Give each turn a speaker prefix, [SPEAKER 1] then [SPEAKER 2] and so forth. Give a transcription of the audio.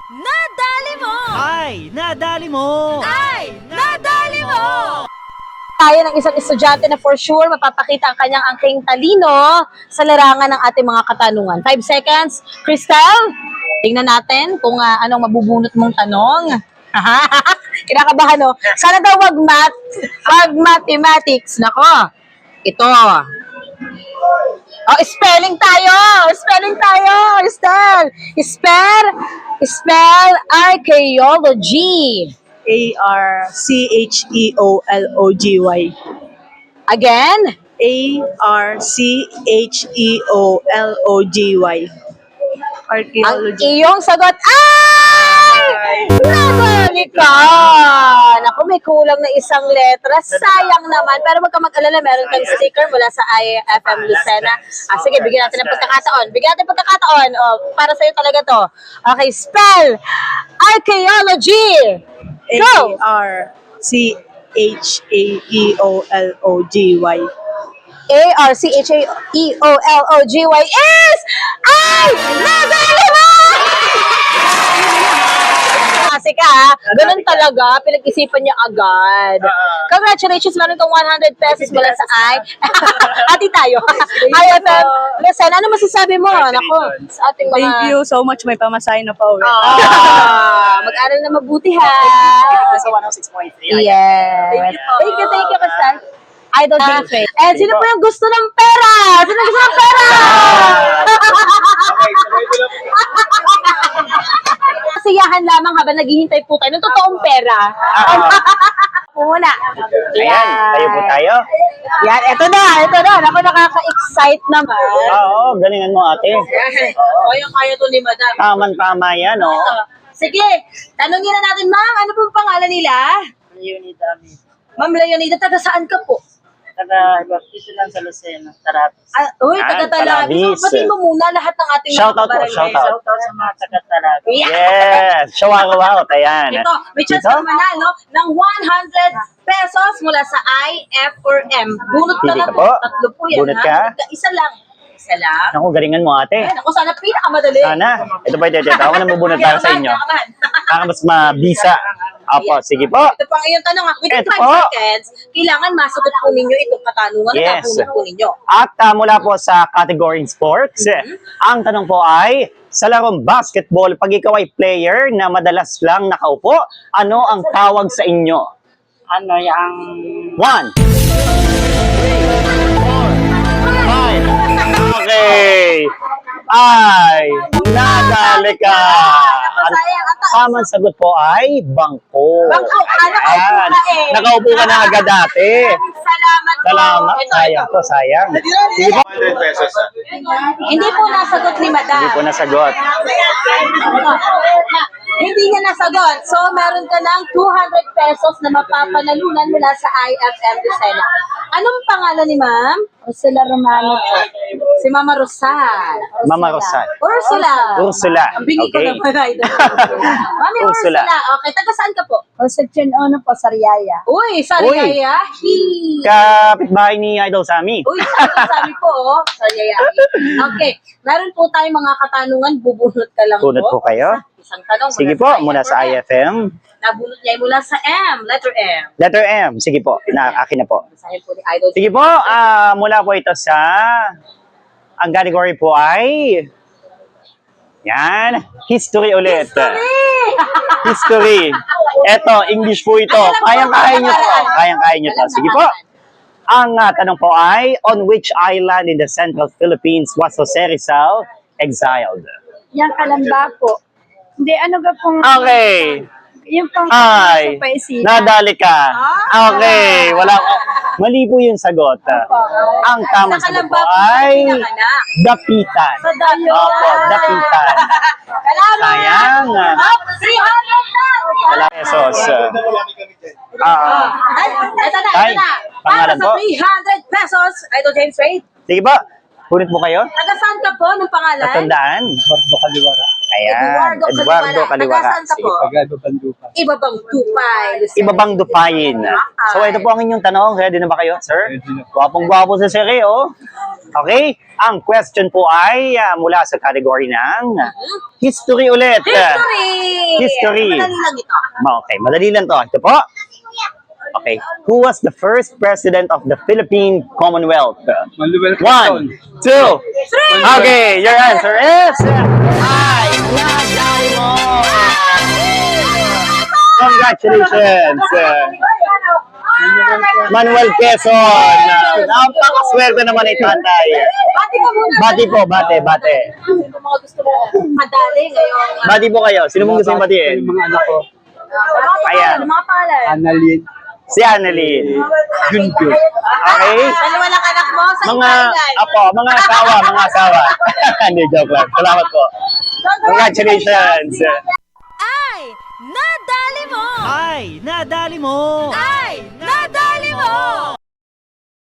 [SPEAKER 1] Nadali mo!
[SPEAKER 2] Ay, nadali mo!
[SPEAKER 1] Ay, nadali mo!
[SPEAKER 3] Tayo ng isang estudyante na for sure mapapakita ang kanyang angking talino sa larangan ng ating mga katanungan. 5 seconds. Crystal, tingnan natin kung anong mabubunot mong tanong. Kinakabahan, no? Sana daw wag mathematics. Nako, ito. Oh, spelling tayo! Spelling tayo! Spell archaeology.
[SPEAKER 4] Archeology.
[SPEAKER 3] Again?
[SPEAKER 4] Archeology.
[SPEAKER 3] Ang
[SPEAKER 4] Archaeology.
[SPEAKER 3] iyong sagot ay! Nadali ka! Naku, may kulang na isang letra. Sayang naman. Pero wag ka mag-alala, meron kang sticker mula sa IFM Lucena. Sige, bigyan natin ng pagkakataon. Para sa'yo talaga to. Okay, spell archaeology. Go!
[SPEAKER 4] Archeology.
[SPEAKER 3] Archaeology is ay! Nadali mo! Kasi ka, ganun talaga, pinag-isipan niya agad. Congratulations, meron kang 100 pesos mula sa Ati tayo. IFM Lucena, ano masasabi mo? Nako, sa ating mga...
[SPEAKER 4] Thank you so much. May pamasahin na pa uwi.
[SPEAKER 3] Mag-aral na mabuti ha.
[SPEAKER 2] Sa 106.3.
[SPEAKER 3] Yes. Thank you, Pastor. Idol James Ray. And sino po yung gusto ng pera? Sino gusto ng pera? Kasiyahan lamang habang naghihintay po tayo ng totoong pera. Muna.
[SPEAKER 2] Ayan, tayo po tayo.
[SPEAKER 3] Yan, eto na. Ako nakaka-excite naman.
[SPEAKER 2] Oo, galingan mo ate.
[SPEAKER 3] Kaya to ni Madam.
[SPEAKER 2] Tama yan, oh.
[SPEAKER 3] Sige, tanongin na natin, ma'am, ano po pangalan nila?
[SPEAKER 4] Leonida.
[SPEAKER 3] Ma'am Leonida, taga saan ka po?
[SPEAKER 4] Dito lang sa Lucena. Tarapis.
[SPEAKER 3] Uy,
[SPEAKER 2] Yan,
[SPEAKER 3] taga-Talabis.
[SPEAKER 2] Talabis.
[SPEAKER 3] Batiin mo muna lahat ng ating
[SPEAKER 2] Shout out po,
[SPEAKER 3] kabarangay.
[SPEAKER 2] shout out.
[SPEAKER 4] Shoutout sa mga taga-Tarapis.
[SPEAKER 2] Yes, shawarma, ayan.
[SPEAKER 3] Ito, may chance
[SPEAKER 2] Ito?
[SPEAKER 3] ka manalo ng 100 pesos mula sa I, F, or M. Bunot ka
[SPEAKER 2] Pili
[SPEAKER 3] na
[SPEAKER 2] ka
[SPEAKER 3] po.
[SPEAKER 2] po.
[SPEAKER 3] Tatlo po yan.
[SPEAKER 2] Bunot
[SPEAKER 3] ha?
[SPEAKER 2] ka?
[SPEAKER 3] Isa lang.
[SPEAKER 2] Naku, galingan mo ate.
[SPEAKER 3] Ay, naku, sana pinakamadali.
[SPEAKER 2] Sana. Ito pa ito. Ako na mabunod para sa inyo. Para mas mabisa. Apo, sige po.
[SPEAKER 3] Ito pang iyong tanong. Within
[SPEAKER 2] Ito
[SPEAKER 3] 5
[SPEAKER 2] po.
[SPEAKER 3] seconds, kailangan masagot po ninyo itong katanungan na
[SPEAKER 2] Yes.
[SPEAKER 3] nabunot po ninyo.
[SPEAKER 2] At mula po sa category sports, ang tanong po ay, sa larong basketball, pag ikaw ay player na madalas lang nakaupo, ano ang tawag sa inyo?
[SPEAKER 4] Ano yung...
[SPEAKER 2] 1, 2, 3, 4, 5. Okay. Ay, nadali ka. Ang tamang sagot po ay bangko.
[SPEAKER 3] Bangko, nakaupo
[SPEAKER 2] Ayan.
[SPEAKER 3] ka eh.
[SPEAKER 2] Nakaupo ka na agad dati.
[SPEAKER 3] Salamat po.
[SPEAKER 2] Salamat.
[SPEAKER 3] Ito.
[SPEAKER 2] Sayang to, sayang. Sige po.
[SPEAKER 5] 100 pesos.
[SPEAKER 3] Hindi po nasagot ni Madam.
[SPEAKER 2] Hindi po nasagot.
[SPEAKER 3] Hindi niya nasagot. So, meron ka ng 200 pesos na mapapanalunan mula sa IFM Lucena. Anong pangalan ni Ma'am? Ursula Romano po. Si Mama Rosal.
[SPEAKER 2] Mama Rosal.
[SPEAKER 3] Ursula. Ang bingi ko
[SPEAKER 2] Okay.
[SPEAKER 3] naman, Idol. Mami
[SPEAKER 2] Ursula.
[SPEAKER 3] Ursula. Okay, taga saan ka po?
[SPEAKER 4] Concepcion Ono po, Sariaya.
[SPEAKER 3] Uy, Sariaya.
[SPEAKER 2] Kapitbahay ni Idol Sammy.
[SPEAKER 3] Uy, sabi po, oh. Sariaya. Okay, meron po tayong mga katanungan. Bubunot ka lang
[SPEAKER 2] Bunot po kayo.
[SPEAKER 3] Isang tanong.
[SPEAKER 2] Sige po, muna sa IFM.
[SPEAKER 3] Nabunot niya mula sa M, letter M.
[SPEAKER 2] Letter M. Sige po, akin na po.
[SPEAKER 3] Basahin po ni Idol.
[SPEAKER 2] Sige po, mula po ito sa... Ang category po ay... Yan, history ulit. History. Eto, English po ito. Kayang-kaya nyo to. Kayang-kaya nyo to. Sige po. Ang tanong po ay, on which island in the central Philippines was Jose Rizal exiled?
[SPEAKER 4] Yung Kalamba po. Hindi, ano ka pong...
[SPEAKER 2] Okay.
[SPEAKER 4] Yung pang...
[SPEAKER 2] Ay,
[SPEAKER 4] sa Paisita.
[SPEAKER 2] nadali ka. Okay, wala ko. Mali po yung sagot. Ang tamang sagot po ay dapitan. Opo, dapitan. Sayang.
[SPEAKER 3] Up, 300 na!
[SPEAKER 2] Pesos.
[SPEAKER 3] Ito
[SPEAKER 2] Tay,
[SPEAKER 3] na. Para
[SPEAKER 2] pangalan
[SPEAKER 3] sa
[SPEAKER 2] po?
[SPEAKER 3] 300 pesos, Idol James Ray.
[SPEAKER 2] Sige po, punit po kayo.
[SPEAKER 3] Taga saan ka po ng pangalan?
[SPEAKER 2] Tatandaan. Ayan, Eduardo Kaliwara.
[SPEAKER 3] Taga saan ka po? Ibabang Tupay. Lucena.
[SPEAKER 2] Ibabang dupayin. So ito po ang inyong tanong. Ready na ba kayo, sir? Gwapong-gwapo sa siri, oh. Okay, ang question po ay mula sa category ng history ulit.
[SPEAKER 3] History!
[SPEAKER 2] History.
[SPEAKER 3] Madali lang ito.
[SPEAKER 2] Okay, madali lang to. Ito po. Okay. Who was the first president of the Philippine Commonwealth?
[SPEAKER 5] Manuel
[SPEAKER 2] 1, 2, 3. Okay, your answer is... Ay, nadali mo! Congratulations! Manuel Quezon! Napakaswerte naman ni tatay.
[SPEAKER 3] Bati ka muna.
[SPEAKER 2] Bati po, bate.
[SPEAKER 3] Kung mga gusto mo madali ngayon.
[SPEAKER 2] Bati po kayo. Sino mong gusto yung batiin?
[SPEAKER 5] Yung mga anak ko,
[SPEAKER 2] Ayan.
[SPEAKER 3] Mga pangalan.
[SPEAKER 5] Annalyn,
[SPEAKER 2] Si Annalyn.
[SPEAKER 5] Junjun.
[SPEAKER 2] Okay?
[SPEAKER 3] Dalawa lang anak mo sa
[SPEAKER 2] Mga, mga asawa. Hindi, joke lang. Salamat po. Congratulations!
[SPEAKER 1] Ay, nadali mo!
[SPEAKER 6] Ay, nadali mo!
[SPEAKER 1] Ay, nadali mo!